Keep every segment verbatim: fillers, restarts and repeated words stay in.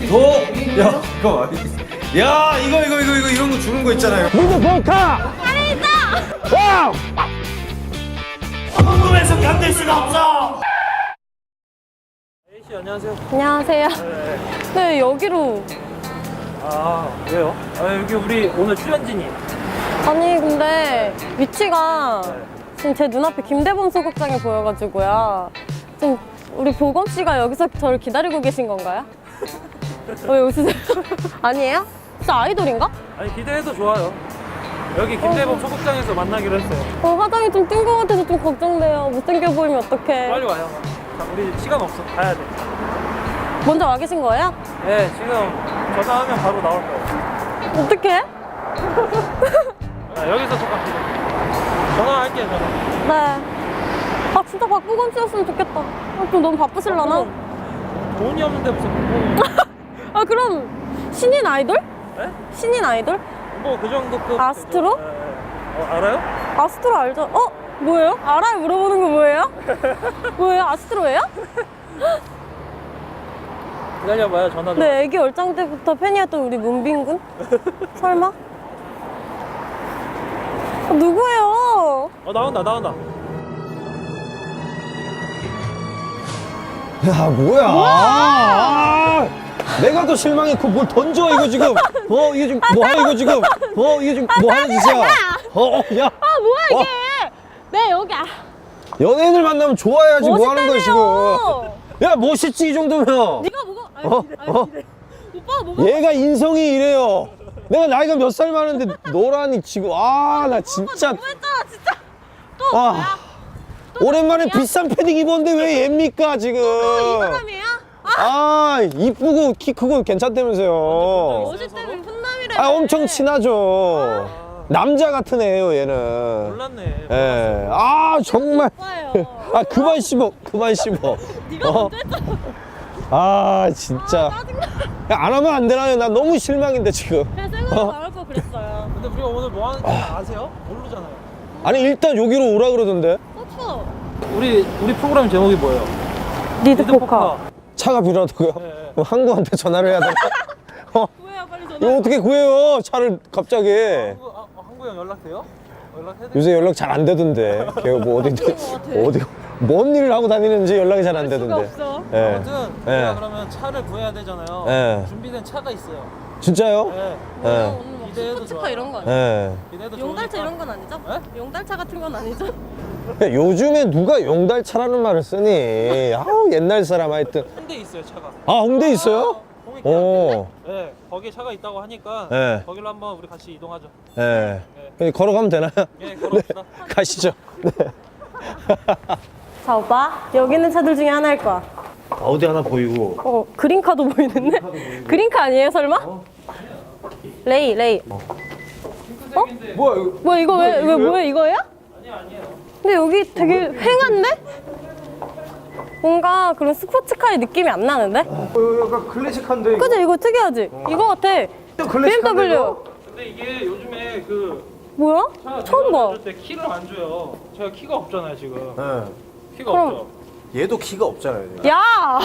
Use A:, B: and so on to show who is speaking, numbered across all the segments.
A: 오! 야, 잠깐만. 야, 이거, 이거, 이거, 이거, 이런 거 주는 거 있잖아요.
B: 무드 볼카!
C: 안에 있어!
B: 와우!
A: 궁금해서 견딜 수가 없어!
D: A씨 안녕하세요.
C: 안녕하세요.
D: 네.
C: 네, 여기로.
D: 아 왜요? 아 여기 우리 오늘 출연진이.
C: 아니, 근데 위치가
D: 네.
C: 지금 제 눈앞에 김대범 소극장이 보여가지고요. 지금 우리 보검 씨가 여기서 저를 기다리고 계신 건가요? 왜 웃으세요? 아니에요? 진짜 아이돌인가?
D: 아니 기대해도 좋아요. 여기 김대범
C: 어.
D: 소극장에서 만나기로 했어요.
C: 어, 화장이 좀 뜬 것 같아서 좀 걱정돼요. 못생겨 보이면 어떡해.
D: 빨리 와요. 자, 우리 시간 없어. 가야 돼.
C: 먼저 와 계신 거예요?
D: 네 지금 전화하면 바로 나올 거예요.
C: 어떡해?
D: 아, 여기서 잠깐 기다려. 전화할게요 전화.
C: 네. 아, 진짜 박보검 씨였으면 좋겠다. 아, 좀 너무 바쁘실라나?
D: 돈이 없는데 무슨 뭐,
C: 아, 그럼 신인 아이돌?
D: 네?
C: 신인 아이돌?
D: 뭐그 정도급.
C: 아스트로?
D: 네, 네. 어, 알아요?
C: 아스트로 알죠? 어? 뭐예요? 알아요? 물어보는 거 뭐예요? 뭐예요? 아스트로예요?
D: 기다려봐요 전화 좀.
C: 네, 애기 얼짱 때부터 팬이었던 우리 문빈군? 설마? 아, 누구예요?
D: 어 나온다 나온다.
B: 야, 뭐야? 아, 내가 더 실망했고 뭘 던져, 이거 지금. 어, 이게 지금 뭐 하는 이거 지금. 어, 이게 지금 뭐 하는 짓이야. 어, 어, 야.
C: 아, 뭐야 이게? 네, 여기. 아,
B: 연예인을 만나면 좋아야지 뭐 하는 거야, 지금.
C: 멋있다며요.
B: 야, 멋있지, 이 정도면.
C: 네가 뭐가? 아니,
B: 어,
C: 아니,
B: 어.
C: 오빠가 뭐가?
B: 얘가 인성이 이래요. 내가 나이가 몇 살 많은데 너라니 지금. 아, 나 진짜.
C: 너무했잖아, 진짜. 또
B: 와.
C: 뭐야?
B: 오랜만에
C: 사람이야?
B: 비싼 패딩 입었는데 왜 얘입니까, 지금.
C: 이 사람이에요?
B: 아, 이쁘고 키 크고 괜찮다면서요.
C: 멋있다며 훈남이래.
B: 아, 엄청 친하죠. 남자 같은 애예요, 얘는.
D: 몰랐네.
B: 예. 아, 정말.
C: 오빠예요.
B: 아, 그만 씹어. 그만 씹어.
C: 네가
B: 어?
C: 먼저 했잖아.
B: 아, 진짜.
C: 짜증나.
B: 야, 안 하면 안 되나요? 나 너무 실망인데, 지금.
C: 그냥 생각하고 나올 거 그랬어요.
D: 근데 우리가 오늘 뭐 하는지 아세요? 모르잖아요.
B: 아니, 일단 여기로 오라 그러던데.
C: 어, 추워.
D: 우리 우리 프로그램 제목이 뭐예요?
C: 리드 포커.
B: 차가 필요하다고요?
D: 네, 네.
B: 그럼 항구한테 전화를 해야 되나? 어,
C: 구해요, 빨리 전화.
B: 이거 어떻게 구해요? 차를 갑자기.
D: 한구 아, 한구 형 연락돼요? 연락해야 돼.
B: 요새 연락 잘 안 되던데. 걔가 뭐 어디, 어디, 뭔 일을 하고 다니는지 연락이 잘 안
C: 수가
B: 되던데.
C: 없어.
B: 예.
D: 아무튼
B: 예.
D: 우리가 그러면 차를 구해야 되잖아요.
B: 네.
D: 준비된 차가 있어요.
B: 진짜요?
D: 네.
B: 예.
C: 오늘 뭐
D: 기대해도
C: 스포츠카
D: 좋아요.
C: 이런 거 아니야?
B: 예.
D: 기대도
C: 용달차
D: 좋으니까.
C: 이런 건 아니죠?
D: 네?
C: 용달차 같은 건 아니죠?
B: 야, 요즘에 누가 용달차라는 말을 쓰니? 아우, 옛날 사람 하여튼.
D: 홍대 있어요 차가.
B: 아, 홍대 있어요?
D: 홍익
B: 오.
D: 네, 거기에 차가 있다고 하니까
B: 네.
D: 거기로 한번 우리 같이 이동하죠.
B: 예. 그냥 걸어가면 되나요?
D: 네, 걸어봅시다.
B: 가시죠. 네.
C: 자, 오빠. 여기 있는 차들 중에 하나일 거야.
B: 어디 하나 보이고.
C: 어, 그린카도 보이는데? 그린카 아니에요, 설마? 레이, 레이. 어?
B: 뭐야, 이거?
C: 뭐야, 이거 왜, 왜, 뭐야, 이거예요?
D: 아니요, 아니에요.
C: 근데 여기 되게 휑한데? 뭔가 그런 스포츠카의 느낌이 안 나는데?
B: 어, 약간 클래식한데. 이거?
C: 그치? 이거 특이하지? 이거 같아.
B: 클래식한데,
C: 비엠더블유.
B: 이거?
D: 근데 이게 요즘에 그
C: 뭐야?
D: 차
C: 처음 봐.
D: 줄 때 키를 안 줘요. 제가 키가 없잖아요 지금.
B: 예.
D: 키가
C: 그럼-
D: 없죠.
B: 얘도 키가 없잖아요. 얘가.
C: 야!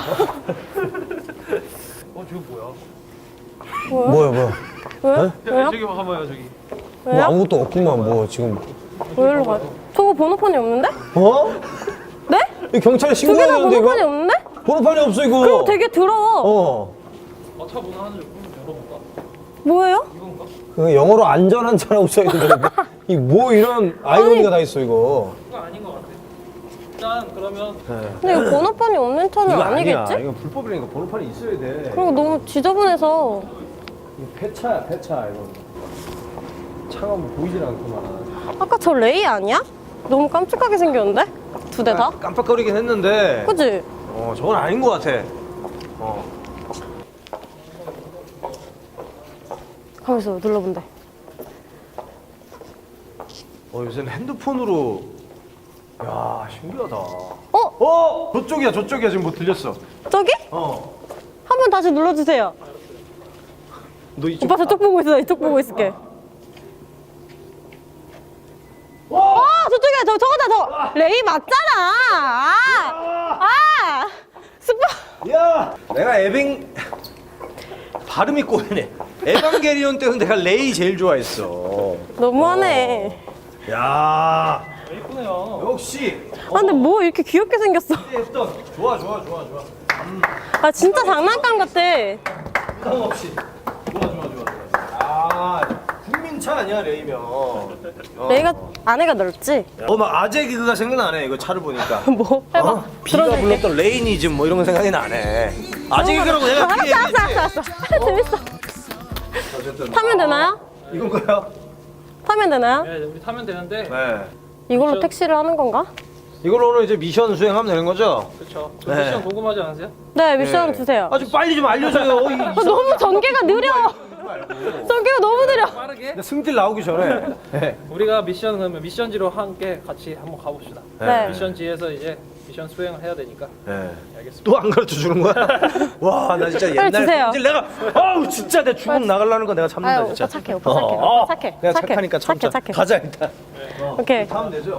D: 어, 저거 뭐야?
C: 뭐야?
B: 뭐야, 뭐야.
C: 왜요?
D: 야,
C: 왜요?
D: 저기 봐봐요 저기.
B: 뭐
C: 왜요?
B: 아무것도 없구만, 뭐, 지금.
C: 왜 일로 가? 저거 번호판이 없는데?
B: 어?
C: 네?
B: 이 경찰에
C: 두 개 다
B: 신고해야 되는데,
C: 번호판이
B: 이거?
C: 없는데?
B: 번호판이 없어, 이거.
C: 그리고 되게 더러워.
B: 어.
D: 어, 차 문을 하나 좀 열어볼까?
C: 뭐예요?
D: 이건가?
B: 그 영어로 안전한 차라고 써있는데. 이 뭐 이런 아이러니가 다 있어, 이거.
D: 그거 아닌 것 같아. 일단 그러면
C: 근데 이거 번호판이 없는 차는 아니겠지?
B: 이거 불법이라니까 번호판이 있어야 돼.
C: 그리고 너무 지저분해서.
B: 이거 폐차야, 폐차, 이거. 차가 뭐 보이질 않구만.
C: 아까 저 레이 아니야? 너무 깜찍하게 생겼는데? 두 대 다?
B: 깜빡거리긴 했는데.
C: 그치?
B: 어, 저건 아닌 것 같아. 어.
C: 가만있어, 눌러본대.
B: 어, 요새는 핸드폰으로. 야, 신기하다.
C: 어?
B: 어! 저쪽이야, 저쪽이야. 지금 뭐 들렸어.
C: 저기?
B: 어.
C: 한 번 다시 눌러주세요.
B: 너 이쪽.
C: 오빠 저쪽 보고 있어, 이쪽 보고 있을게.
B: 와!
C: 아, 저쪽에, 저, 저거다, 저. 레이 맞잖아. 아! 아! 스포.
B: 야! 내가 에빙. 발음이 꼬이네. 에반게리온 때는 내가 레이 제일 좋아했어.
C: 너무하네.
B: 야,
D: 이쁘네요.
B: 역시.
C: 아 근데 뭐 이렇게 귀엽게 생겼어.
B: 했던 좋아 좋아 좋아 좋아.
C: 아 진짜 장난감 같아.
B: 부담 없이. 좋아 좋아 좋아. 아, 국민차 아니야 레이면. 어.
C: 내가 안에가 넓지?
B: 어, 막 아재 개그가 생각나네 이거 차를 보니까.
C: 뭐 해봐.
B: 어? 비가
C: 들어줄게.
B: 불렀던 레이니즘 뭐 이런 거 생각이 나네. 아재 개그라고 내가
C: 알았어
B: 그렇게
C: 알았어
B: 얘기했지.
C: 알았어 알았어. 재밌어.
B: 어쨌든
C: 타면 되나요?
B: 이건가요?
C: 타면 되나요?
D: 네, 우리 타면 되는데.
B: 네.
C: 이걸로
D: 미션.
C: 택시를 하는 건가?
B: 이걸로 오늘 이제 미션 수행하면 되는 거죠?
D: 그렇죠.
B: 네.
D: 미션 궁금하지 않으세요?
C: 네 미션
B: 네.
C: 주세요.
B: 아, 좀 빨리 좀 알려줘요. 이, 이
C: 아, 너무 전개가 느려. 전개가 너무 느려.
D: 빠르게.
B: 승질 나오기 전에. 네.
D: 우리가 미션 그러면 미션지로 함께 같이 한번 가봅시다.
C: 네.
D: 미션지에서 이제 미션 수행을 해야 되니까.
B: 네.
D: 알겠습니다.
B: 또 안 가르쳐 주는 거야? 와, 나 진짜
C: 빨리
B: 옛날
C: 주세요.
B: 승질 내가 아우 진짜 내 주먹 나가려는 거 내가 참는다
C: 아유
B: 진짜.
C: 오빠 착해 오빠 착해.
B: 어,
C: 오빠 착해.
B: 내가
C: 착해.
B: 착하니까 참자.
C: 착해 착해.
B: 가자 일단.
C: 오케이.
B: 하면 되죠?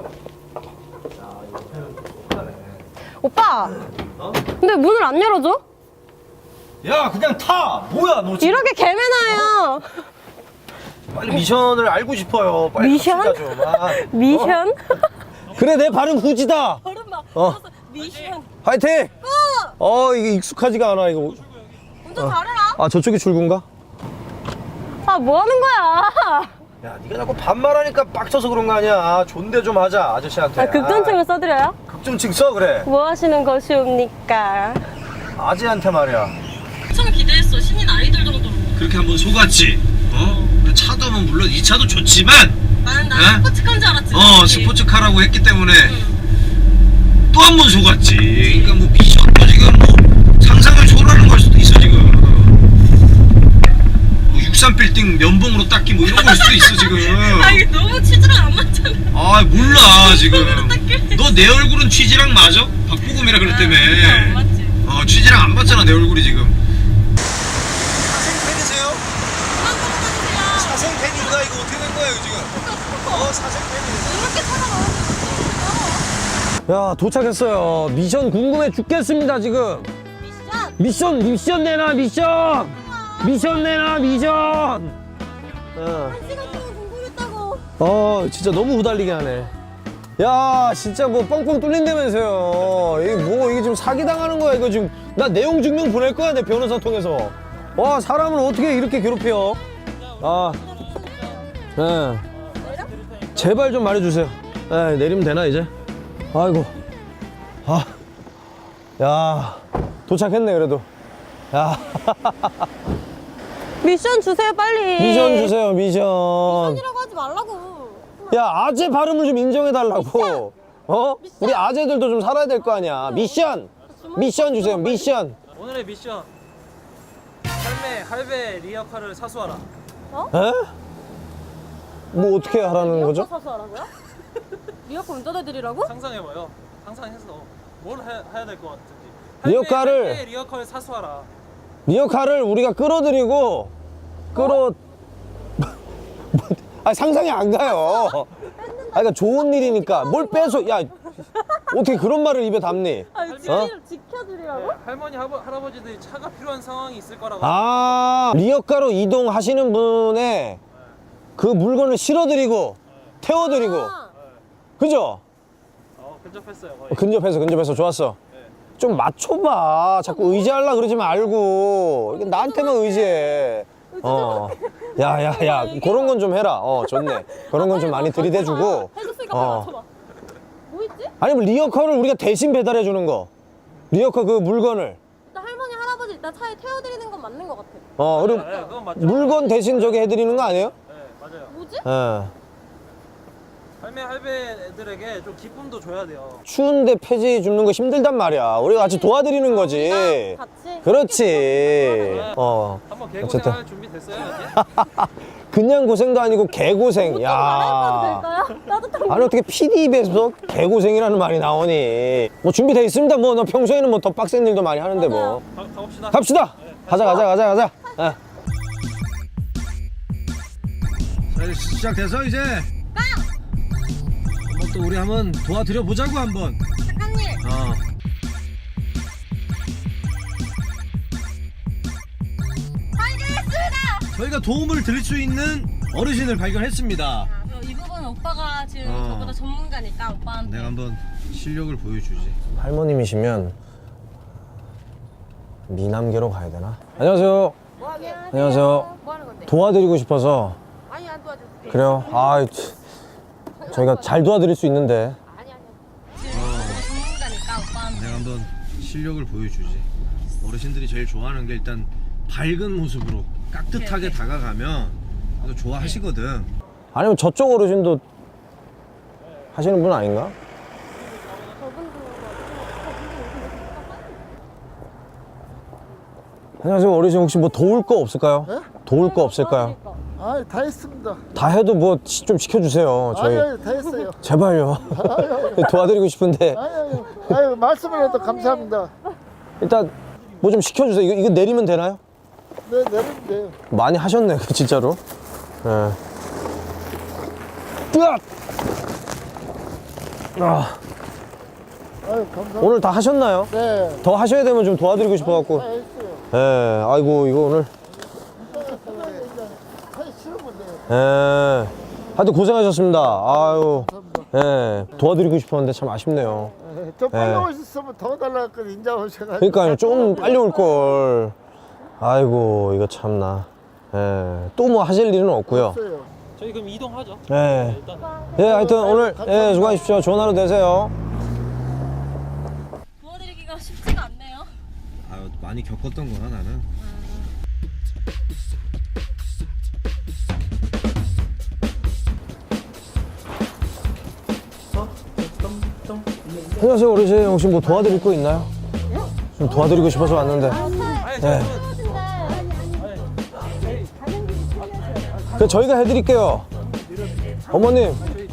C: 오빠.
B: 어?
C: 근데 문을 안 열어줘?
B: 야, 그냥 타. 뭐야, 너 지금
C: 이렇게 개매나요.
B: 빨리 미션을 알고 싶어요. 빨리
C: 미션?
B: 갑시다, 좀. 아.
C: 미션?
B: 그래, 내 발음 후지다.
C: 걸음 막.
B: 어.
C: 미션.
B: 화이팅! 어, 이게 익숙하지가 않아, 이거.
C: 운전 잘해라.
B: 아, 저쪽이 출구인가?
C: 아 뭐 하는 거야?
B: 야, 네가 자꾸 반말하니까 빡쳐서 그런 거 아니야. 존대 좀 하자, 아저씨한테.
C: 아 극전층을 써드려요?
B: 아, 극존칭 써, 그래.
C: 뭐 하시는 것이옵니까?
B: 아재한테 말이야.
C: 엄청 기대했어. 신인 아이돌 정도로.
B: 그렇게 한번 속았지. 어? 차도 뭐 물론 이 차도 좋지만
C: 나는 나
B: 에?
C: 스포츠카인 줄 알았지.
B: 어 스포츠카라고 했기 때문에 또 한 번 속았지. 그러니까 뭐 미션도 지금 뭐 상상을 초월하는 걸 수도 있어 지금. 뭐 육십삼 빌딩 면봉으로 닦기 뭐 이런 걸 수도 있어 지금.
C: 아 이게 너무 취지랑 안 맞잖아.
B: 아 몰라 지금. 너 내 얼굴은 취지랑 맞아? 박보검이라 그랬다며.
C: 안 맞지.
B: 어 취지랑 안 맞잖아 내 얼굴이 지금. 사생 팬이세요? 사생 팬인가 이거 어떻게 된 거예요 지금? 어 사생 팬이세요?
C: 이렇게 찾아가는
B: 야 도착했어요. 미션 궁금해 죽겠습니다 지금.
C: 미션.
B: 미션 미션 내놔 미션. 미션 내놔 미션. 어.
C: 한 시간 동안 궁금했다고.
B: 어 진짜 너무 후달리게 하네. 야 진짜 뭐 뻥뻥 뚫린다면서요. 이게 뭐 이게 지금 사기 당하는 거야 이거 지금. 나 내용 증명 보낼 거야 내 변호사 통해서. 와 사람을 어떻게 이렇게 괴롭혀? 아, 네. 제발 좀 말해주세요. 네, 내리면 되나 이제? 아이고, 아, 야 도착했네 그래도. 야
C: 미션 주세요 빨리.
B: 미션 주세요 미션.
C: 미션이라고 하지 말라고.
B: 야 아재 발음을 좀 인정해 달라고. 어? 우리 아재들도 좀 살아야 될 거 아니야. 미션, 미션 주세요 미션.
D: 오늘의 미션. 할매 할배 리어카를 사수하라.
B: 에? 뭐 어떻게 하라는 거죠?
C: 리어카 사서 하라고요? 리어카 운전해드리라고?
D: 상상해봐요. 상상해서 뭘 해, 해야 될 것 같은지.
B: 리어카를-
D: 할매 리어카를 사수하라.
B: 리어카를 우리가 끌어들이고 끌어 아 상상이 안 가요. 아 그러니까 좋은 일이니까 뭘 빼서 야 어떻게 그런 말을 입에 담니?
C: 아니
B: 어?
C: 지켜드리라고?
D: 네, 할머니 할아, 할아버지들이 차가 필요한 상황이 있을 거라고.
B: 아 리어카로 이동하시는 분의 그 물건을 실어드리고 태워드리고
C: 아,
B: 그죠?
D: 어, 근접했어요 거의.
B: 어, 근접해서 근접해서 좋았어. 좀 맞춰봐. 자꾸 의지하려 그러지 말고 이게 나한테만 의지해. 어, 야야야 그런 건 좀 해라. 어 좋네. 그런 건 좀 많이 들이대주고.
C: 해줬으니까
B: 어.
C: 빨리 맞춰봐. 뭐 있지?
B: 아니면 리어카를 우리가 대신 배달해 주는 거. 리어카 그 물건을.
C: 일단 할머니 할아버지 일단 차에 태워드리는 건 맞는 것 같아.
B: 어 그리고
D: 네, 그건 맞죠.
B: 물건 대신 저기 해드리는 거 아니에요?
D: 네, 맞아요.
C: 뭐지?
B: 예.
D: 할매 할배들에게 좀 기쁨도 줘야 돼요.
B: 추운데 폐지 줍는 거 힘들단 말이야. 우리가 같이 도와드리는 거지.
C: 같이?
B: 그렇지. 어.
D: 한번
B: 어쨌든.
D: 개고생할 준비 됐어요 이제?
B: 그냥 고생도 아니고 개고생.
C: 좀
B: 야.
C: 갈아입어도 될까요? 따뜻한
B: 아니 어떻게 피디 입에서 개고생이라는 말이 나오니? 뭐 준비돼 있습니다. 뭐 너 평소에는 뭐 더 빡센 일도 많이 하는데 뭐.
D: 가, 가봅시다.
B: 갑시다. 가자 가자 가자 가자. 예. 자 이제 시작돼서 이제. 한번 또 우리 한번 도와드려 보자고 한번.
C: 작가님.
B: 어.
C: 빨리!
B: 저희가 도움을 드릴 수 있는 어르신을 발견했습니다.
C: 이 부분은 오빠가 지금
B: 어.
C: 저보다 전문가니까 오빠한테.
B: 내가 한번 실력을 보여주지. 할머님이시면 미남계로 가야 되나? 안녕하세요.
E: 뭐 하게?
B: 안녕하세요.
E: 뭐 하는 건데?
B: 도와드리고 싶어서.
E: 아니 안 도와줄게.
B: 그래요? 아, 저희가 잘 도와드릴 수 있는데.
E: 아니 아니.
C: 지금 저보다 전문가니까 오빠한테.
B: 내가 한번 실력을 보여주지. 어르신들이 제일 좋아하는 게 일단 밝은 모습으로 깍듯하게 다가가면 또 좋아하시거든. 아니면 저쪽 어르신도 하시는 분 아닌가? 안녕하세요. 어르신 혹시 뭐 도울 거 없을까요?
F: 네?
B: 도울 거 없을까요?
F: 아, 다 했습니다.
B: 다 해도 뭐 좀 시켜주세요. 저희
F: 아유, 다 했어요.
B: 제발요. 도와드리고 싶은데
F: 아유, 아유, 말씀을 해도 감사합니다.
B: 일단 뭐 좀 시켜주세요. 이거, 이거 내리면 되나요?
F: 네, 내리면 돼요.
B: 많이 하셨네, 진짜로. 예. 으악! 아,
F: 아유, 감사합니다.
B: 오늘 다 하셨나요?
F: 네,
B: 더 하셔야 되면 좀 도와드리고 싶어갖고.
F: 다 했어요.
B: 예, 아이고, 이거 오늘.
F: 다 치우면 돼요.
B: 예. 하여튼 고생하셨습니다. 아유. 예. 도와드리고 싶었는데 참 아쉽네요.
F: 네, 좀 빨리
B: 네.
F: 오셨으면 더 달라고 했거든, 인자 오셔가지고.
B: 그러니까요, 좀 빨리 올걸. 아이고, 이거 참나. 예. 또 뭐 하실 일은 없고요.
F: 없어요.
D: 저희 그럼 이동하죠.
B: 예.
D: 일단
B: 예, 하여튼 오늘, 예, 수고하십시오. 좋은 하루 되세요.
C: 도와드리기가 쉽지가 않네요.
B: 아유, 많이 겪었던 거라 나는. 안녕하세요, 어르신. 혹시 뭐 도와드릴 거 있나요? 좀 도와드리고 싶어서 왔는데. 네. 그 저희가 해드릴게요. 어머님.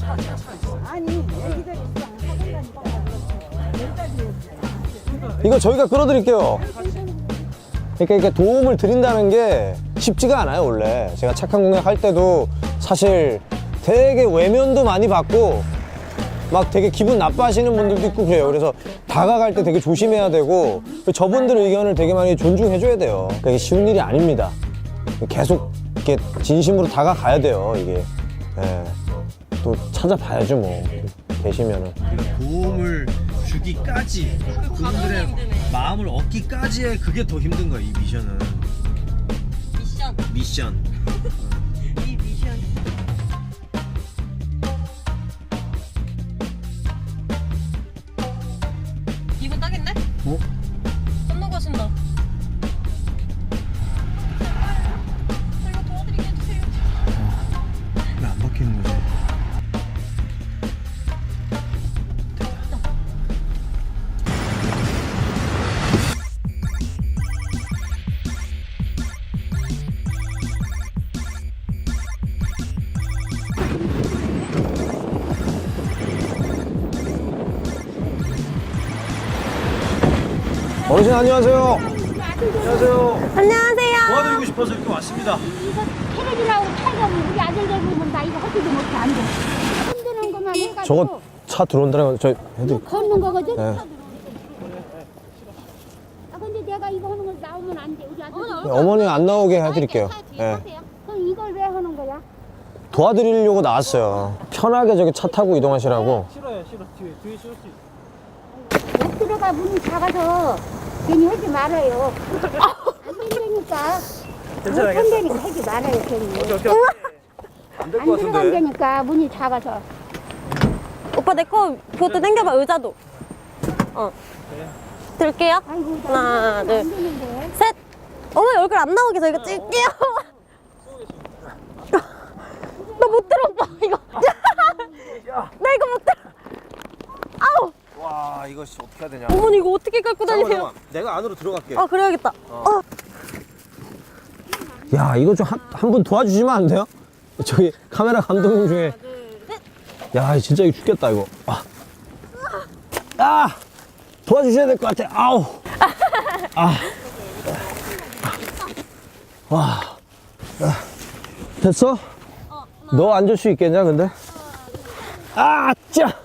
B: 이거 저희가 끌어드릴게요. 그러니까 이렇게 도움을 드린다는 게 쉽지가 않아요, 원래. 제가 착한 공약 할 때도 사실 되게 외면도 많이 받고 막 되게 기분 나빠하시는 분들도 있고 그래요. 그래서 다가갈 때 되게 조심해야 되고 저분들 의견을 되게 많이 존중해줘야 돼요. 그러니까 이게 쉬운 일이 아닙니다. 계속 이렇게 진심으로 다가가야 돼요, 이게. 예. 또 찾아봐야죠, 뭐. 계시면은. 우리가 도움을 주기까지, 그분들의 마음을 얻기까지의 그게 더 힘든 거야, 이 미션은.
C: 미션.
B: 미션.
C: 이 미션. 이분 딱인데?
B: 어?
C: 건너가신다. 저희가 도와드리게 해주세요.
B: 왜 안 바뀌는 거지? 어르신 안녕하세요. 안녕하세요.
C: 안녕하세요.
B: 도와드리고 싶어서 이렇게 왔습니다.
G: 이거 테레비라고 타이가 우리 아들들 보면 나 이거 하지도 못해 안 돼. 흔드는 것만 해가지고
B: 저거 차 들어온다는 거 저희 해드릴게요.
G: 걷는 거거든.
B: 네.
G: 아 근데 내가 이거 하는 거 나오면 안 돼. 우리 아들.
B: 어머니 안 나오게 해드릴게요. 예.
G: 그럼 이걸 왜 하는 거야?
B: 도와드리려고 나왔어요. 편하게 저기 차 타고 이동하시라고.
D: 싫어요, 싫어. 뒤에 뒤에 싫을 수 있어.
G: 못 들어가 문이 작아서 괜히 하지 말아요. 안 된다니까. 못 한다니까 하지 말아요 괜히. 안 들어간다니까 문이 작아서.
C: 오빠 내 거 그것도 당겨봐, 의자도. 어. 들게요.
G: 아이고 나
C: 하나,
G: 안
C: 둘,
G: 되는데.
C: 셋. 어머니 얼굴 안 나오게 저희가 찍게요. 나 못 들어, 오빠. 이거. 나 이거 못 들어. 아우.
B: 와 이거 어떻게 해야 되냐?
C: 어머니 이거 어떻게 갖고 다니세요?
B: 내가 안으로 들어갈게.
C: 아, 그래야겠다. 어.
B: 야 이거 좀 한 한 분 도와주시면 안 돼요? 저기 카메라 감독님 중에. 야 진짜 이거 죽겠다 이거. 아, 아 도와주셔야 될 것 같아. 아우. 아. 와. 아. 됐어? 너 앉을 수 있겠냐 근데? 아 짜.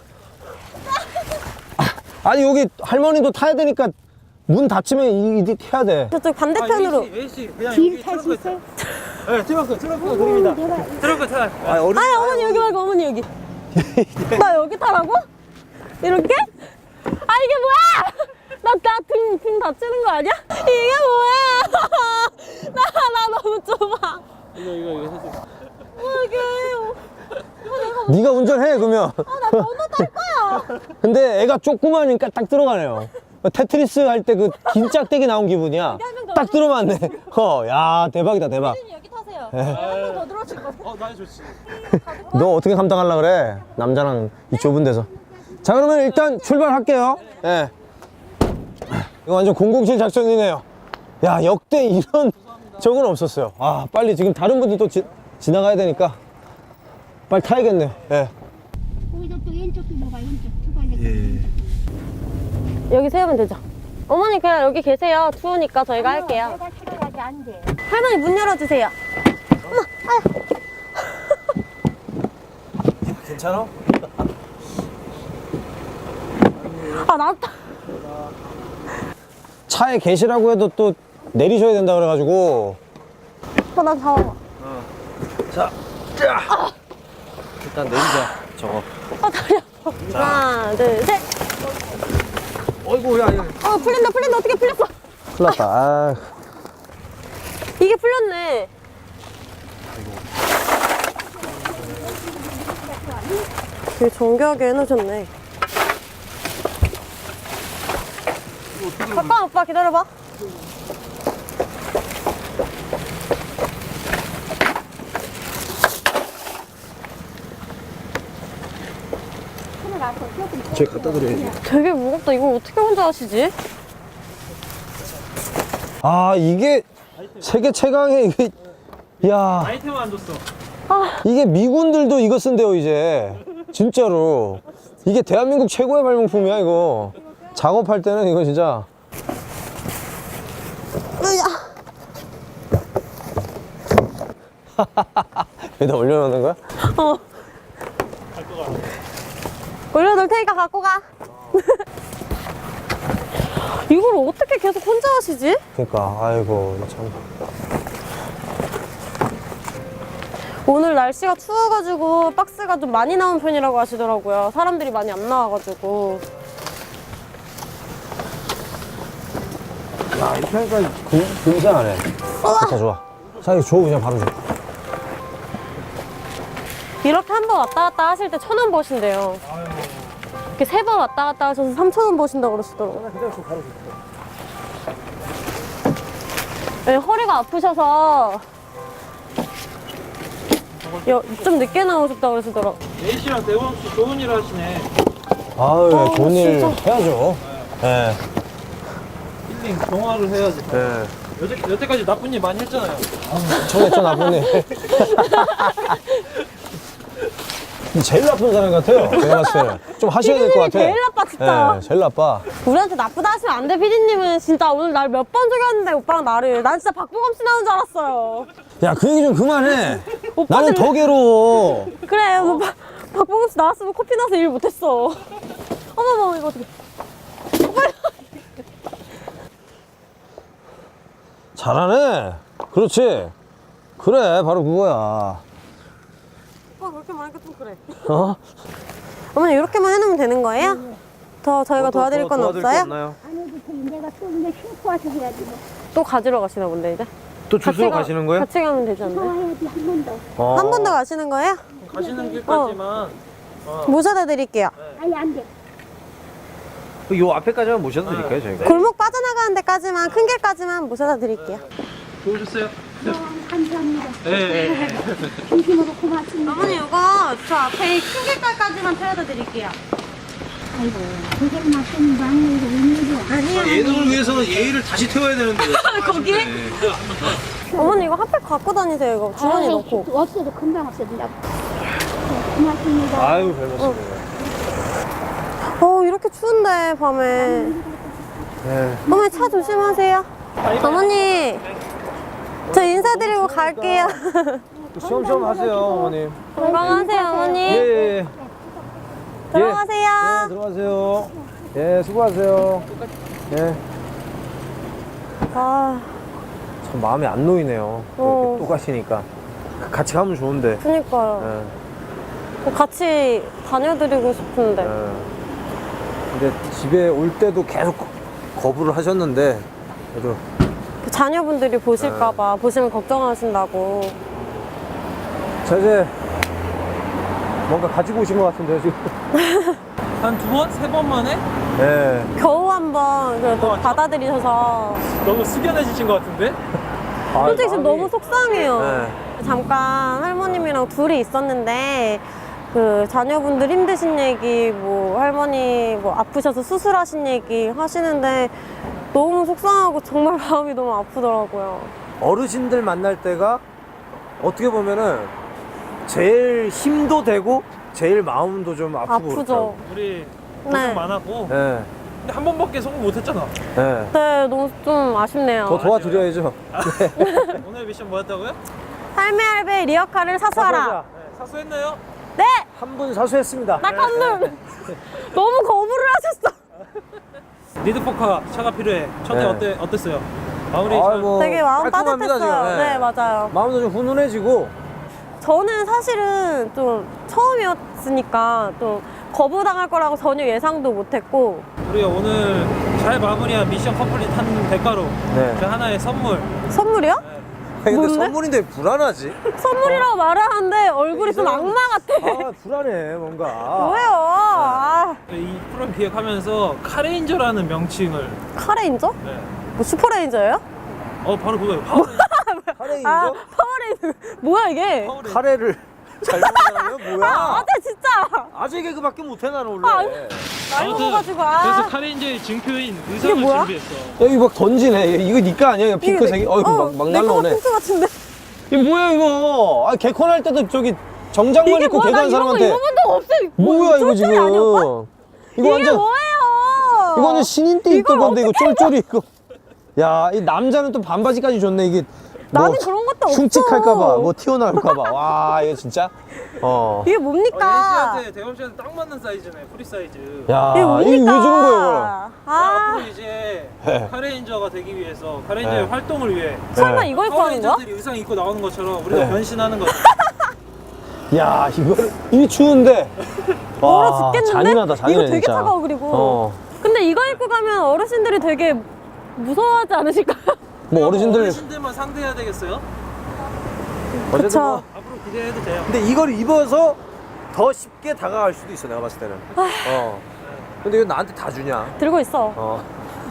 B: 아, 아니 여기 할머니도 타야 되니까 문 닫히면 이, 이 해야 돼.
C: 저쪽 반대편으로.
D: 아, A씨, A씨, 그냥
G: 길
D: 여기
G: 탈 수
D: 트렁크에
G: 있어요?
D: 네, 트렁크, 트렁크가 그립니다. 트렁크 타.
A: 아 어른.
C: 아니 어머니 여기 말고 어머니 여기. 나 여기 타라고? 이렇게? 아 이게 뭐야? 나나등등 다치는 거 아니야? 이게 뭐야? 나 나 너무 좁아.
D: 이거, 이거, 이거 해줘.
C: 이게
B: 네가 운전해 그러면.
C: 나 번호 딸 거야.
B: 근데 애가 조그마하니까 딱 들어가네요. 테트리스 할 때 그 긴 짝대기 나온 기분이야. 딱 들어맞네. 어, 야 대박이다 대박.
C: 여기 타세요. 한 명 더 들어오실 거.
D: 어, 나 좋지.
B: 너 어떻게 감당하려고 그래? 남자랑 이 좁은 데서. 자 그러면 일단 출발할게요. 예. 이거 완전 공공칠 작전이네요. 야 역대 이런 적은 없었어요. 아 빨리 지금 다른 분들도 지, 지나가야 되니까 빨리 타야겠네요. 예.
G: 거기서 또 왼쪽도 뭐가 왼쪽 두 갈래.
C: 여기 세우면 되죠. 어머니 그냥 여기 계세요. 추우니까 저희가 할게요.
G: 내가 들어가지 안 돼.
C: 할머니 문 열어주세요.
B: 괜찮아?
C: 아 나왔다.
B: 차에 계시라고 해도 또 내리셔야 된다 그래가지고.
C: 어, 나 잡아봐.
A: 자, 자. 일단 내리자. 저거.
C: 아 다리 아파. 하나 둘 셋.
A: 어이구 야 야.
C: 어 풀린다 풀린다 어떻게 풀렸어?
B: 큰일 났다. 아.
C: 이게 풀렸네. 되게 정교하게 해놓으셨네. 잠깐 오빠 기다려봐.
A: 제가 갖다 드려야지.
C: 되게 무겁다. 이걸 어떻게 혼자 하시지?
B: 아 이게 세계 최강의 이게. 야
D: 아이템 안 줬어.
B: 이게 미군들도 이거 쓴대요 이제. 진짜로. 이게 대한민국 최고의 발명품이야 이거. 작업할 때는 이거 진짜. 여기다 올려놓는 거야?
C: 어. 올려놓을 테니까 갖고 가. 이걸 어떻게 계속 혼자 하시지?
B: 그러니까 아이고 참.
C: 오늘 날씨가 추워가지고 박스가 좀 많이 나온 편이라고 하시더라고요. 사람들이 많이 안 나와가지고.
B: 야 이렇게 하니까 금, 금상하네. 좋다 좋아. 사장님 줘 그냥 바로 줘.
C: 이렇게 한 번 왔다 갔다 하실 때 천 원 버신대요. 이렇게 세 번 왔다 갔다 하셔서 삼천 원 버신다고 그러시더라고요. 네, 허리가 아프셔서 여, 좀 늦게 나오셨다고 그러시더라고요.
D: 예희 씨랑 대원 씨 좋은 일 하시네.
B: 아유
C: 어,
B: 좋은 일
C: 진짜.
B: 해야죠. 예.
D: 힐링 정화를 해야지.
B: 예.
D: 여태, 여태까지 나쁜 일 많이 했잖아요.
B: 저했죠 나쁜 일. 제일 나쁜 사람 같아요. 제가 봤을 때는 좀 하셔야 될 것 같아.
C: 제일 나빠 진짜.
B: 예, 제일 나빠.
C: 우리한테 나쁘다 하시면 안 돼. 피디님은 진짜 오늘 날 몇 번 속였는데 오빠랑 나를. 난 진짜 박보검 씨 나오는 줄 알았어요.
B: 야 그 얘기 좀 그만해.
C: 오빠들-
B: 나는 더 괴로워.
C: 그래 오늘 박- 박보검 씨 나왔으면 코피 나서 일 못했어. 어머머 이거 어떡해.
B: 잘하네. 그렇지. 그래 바로 그거야.
C: 오빠 그렇게 말하니까 좀 그래.
B: 어?
C: 어머니 이렇게만 해놓으면 되는 거예요? 더 저희가 도와드릴 건
A: 도와드릴 게
C: 없어요?
A: 없나요?
G: 안 해도 돼. 내가 또 이제 신고 와서 해야지 뭐.
C: 또 가지러 가시나 본데 이제?
A: 또 주스로
C: 가-
A: 가시는 거예요?
C: 같이 가면 되지 않나요?
G: 와야지 한 번 더.
B: 어.
C: 한 번 더 가시는 거예요?
D: 가시는 길까지만.
C: 모셔다 드릴게요.
G: 아니 안 돼.
A: 요 앞에까지만 모셔도 드릴까요 저희가?
C: 골목 빠져나가는 데까지만 큰 길까지만 모셔다 드릴게요.
D: 좋으셨어요?
G: 어, 감사합니다.
D: 예, 예.
G: 진심으로 고맙습니다.
C: 어머니 이거 저 앞에 큰 길까지만 태워다 드릴게요.
G: 아이고, 그걸 맞추는 방법이 웬일이야.
C: 아니요.
A: 예능을 위해서는 예의를 다시 태워야 되는데.
C: 거기에? 어머니 이거 핫팩 갖고 다니세요 이거 주머니
G: 아이,
C: 넣고.
G: 없어도 금방 없어진다고. 고맙습니다.
A: 아유 별 말씀이에요.
C: 어 이렇게 추운데 밤에.
A: 네.
C: 어머니 차 조심하세요. 어머니 저 인사드리고 갈게요.
B: 시험시험 하세요 어머님.
C: 건강하세요 어머니.
B: 예예.
C: 들어가세요.
B: 예, 들어가세요. 예 수고하세요. 예.
C: 아
B: 참 마음이 안 놓이네요.
C: 어.
B: 또 가시니까. 같이 가면 좋은데.
C: 그니까요.
B: 예,
C: 같이 다녀드리고 싶은데.
B: 예. 근데 집에 올 때도 계속 거부를 하셨는데, 그래도.
C: 자녀분들이 보실까봐, 보시면 걱정하신다고.
B: 자, 이제 뭔가 가지고 오신 것 같은데요, 지금.
D: 한 두 번? 세 번 만에?
B: 예.
C: 겨우 한번 그래도
D: 어,
C: 받아들이셔서.
D: 너무 숙연해지신 것 같은데?
B: 아,
C: 솔직히 지금
B: 마음이-
C: 너무 속상해요.
B: 네.
C: 잠깐 할머님이랑 둘이 있었는데 그 자녀분들 힘드신 얘기, 뭐 할머니 뭐 아프셔서 수술하신 얘기 하시는데 너무 속상하고 정말 마음이 너무 아프더라고요.
B: 어르신들 만날 때가 어떻게 보면은 제일 힘도 되고 제일 마음도 좀 아프고
C: 아프죠.
D: 우리 고생
C: 네.
D: 많았고
B: 예,
D: 근데 한 번밖에 성공 못했잖아.
B: 예.
C: 네, 너무 좀 아쉽네요.
B: 더 도와드려야죠.
D: 오늘 미션 뭐였다고요?
C: 할매 할배 리어카를 사수하라.
D: 네, 사수했나요?
C: 네,
B: 한 분 사수했습니다.
C: 딱 한 분. 너무 거부를 하셨어.
D: 리드포카 차가 필요해. 첫째
B: 네.
D: 어때 어땠어요? 마무리
B: 아이,
D: 잘.
B: 뭐
C: 되게 마음
B: 깔끔합니다,
C: 따뜻했어요.
B: 지금. 예.
C: 네, 맞아요.
B: 마음도 좀 훈훈해지고.
C: 저는 사실은 좀 처음이었으니까 좀 거부당할 거라고 전혀 예상도 못했고.
D: 우리가 오늘 잘 마무리한 미션 컴플릿 한 대가로
B: 네.
D: 그 하나의 선물.
C: 선물이요?
B: 근데
C: 뭔데?
B: 선물인데 왜 불안하지?
C: 선물이라고 말을 하는데 얼굴이 좀 악마 같아.
B: 아, 불안해, 뭔가.
C: 뭐예요? 아,
D: 이 프로그램 기획하면서 카레인저라는 명칭을.
C: 카레인저?
D: 네.
C: 뭐 슈퍼레인저예요?
D: 어 바로 그거예요. 파워레인저.
B: 카레인저?
C: 아, 파워레인저. 뭐야 이게?
D: 파워레인저.
B: 카레를 잘 먹는 뭐야?
C: 아, 아재 진짜.
B: 아재 개그밖에 못해, 나는 원래.
C: 아, 나이
D: 아무튼
C: 먹어가지고. 아.
D: 그래서 카레인저의 증표인 의상을
C: 뭐야?
D: 준비했어.
B: 여기 막 던지네. 이거 니까 아니야? 이거 핑크색이?
C: 이게-
B: 어이구,
C: 어,
B: 막, 막
C: 내 거가
B: 날라오네.
C: 핑크 같은데.
B: 이게 뭐야, 이거? 아, 개콘 할 때도 저기 정장만
C: 이게
B: 입고
C: 뭐야? 나
B: 개그한
C: 이런 거
B: 사람한테.
C: 입어본 적 없어.
B: 뭐야, 이거
C: 쫄쫄이
B: 지금.
C: 아니었어?
B: 이거
C: 이게
B: 완전,
C: 뭐예요?
B: 이거 완전 신인 때 입던
C: 이걸
B: 건데, 이거
C: 어떻게
B: 쫄쫄이 입고. 야, 이 남자는 또 반바지까지 줬네, 이게.
C: 나는 그런 것도 없어.
B: 흉측할까봐, 뭐 튀어나올까봐. 와, 이거 진짜. 어.
C: 이게
D: 어,
C: 뭡니까?
D: 예지한테 대범 씨한테 딱 맞는 사이즈네. 프리 사이즈.
B: 야,
C: 이게
B: 이거
C: 뭡니까?
B: 왜 주는 거예요, 이거?
D: 야,
C: 아,
D: 앞으로 이제
B: 네.
D: 카레인저가 되기 위해서 카레인저의
B: 네.
D: 활동을 위해
C: 설마
B: 네.
C: 이거 입고 하는 거야?
D: 파워레인저들이 의상 입고 나오는 것처럼 우리가
B: 네.
D: 변신하는 거야.
B: 야, 이거, 이게 추운데.
C: 얼어 죽겠는데?
B: 잔인하다, 잔인해,
C: 이거 되게
B: 진짜.
C: 차가워, 그리고.
B: 어.
C: 근데 이거 입고 가면 어르신들이 되게 무서워하지 않으실까요?
B: 뭐 어르신들.
D: 어르신들만 상대해야 되겠어요?
B: 어쨌든
C: 그쵸.
B: 뭐.
D: 앞으로 기대해도 돼요.
B: 근데 이걸 입어서 더 쉽게 다가갈 수도 있어, 내가 봤을 때는. 어. 근데 이거 나한테 다 주냐?
C: 들고 있어.
B: 어.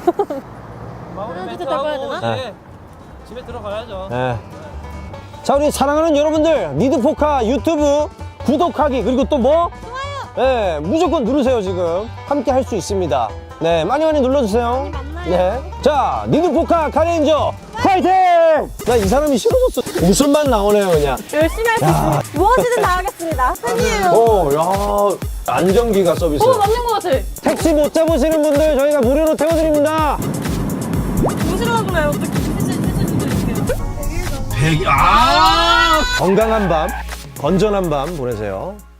D: 마무리
C: 하나,
D: 멘트
C: 둘, 셋
D: 하고
C: 해야
D: 이제
B: 네.
D: 집에 들어가야죠.
B: 네. 자, 우리 사랑하는 여러분들, 리드포카 유튜브 구독하기, 그리고 또 뭐? 좋아요. 네, 무조건 누르세요, 지금. 함께 할 수 있습니다. 네, 많이 많이 눌러주세요. 네. 자, 리드포카 카레인저 파이팅! 나 이 사람이 싫어졌어. 웃음만 나오네요, 그냥.
C: 열심히 할 수 있습니다. 무엇이든 다 하겠습니다. 팬이에요.
B: 오, 야, 안전기가 서비스.
C: 오, 맞는 거 같아.
B: 택시 못 잡으시는 분들 저희가 무료로 태워드립니다.
C: 무시러 그래요. 어떻게 패스 패스 드릴게요.
B: 아! 건강한 밤, 건전한 밤 보내세요.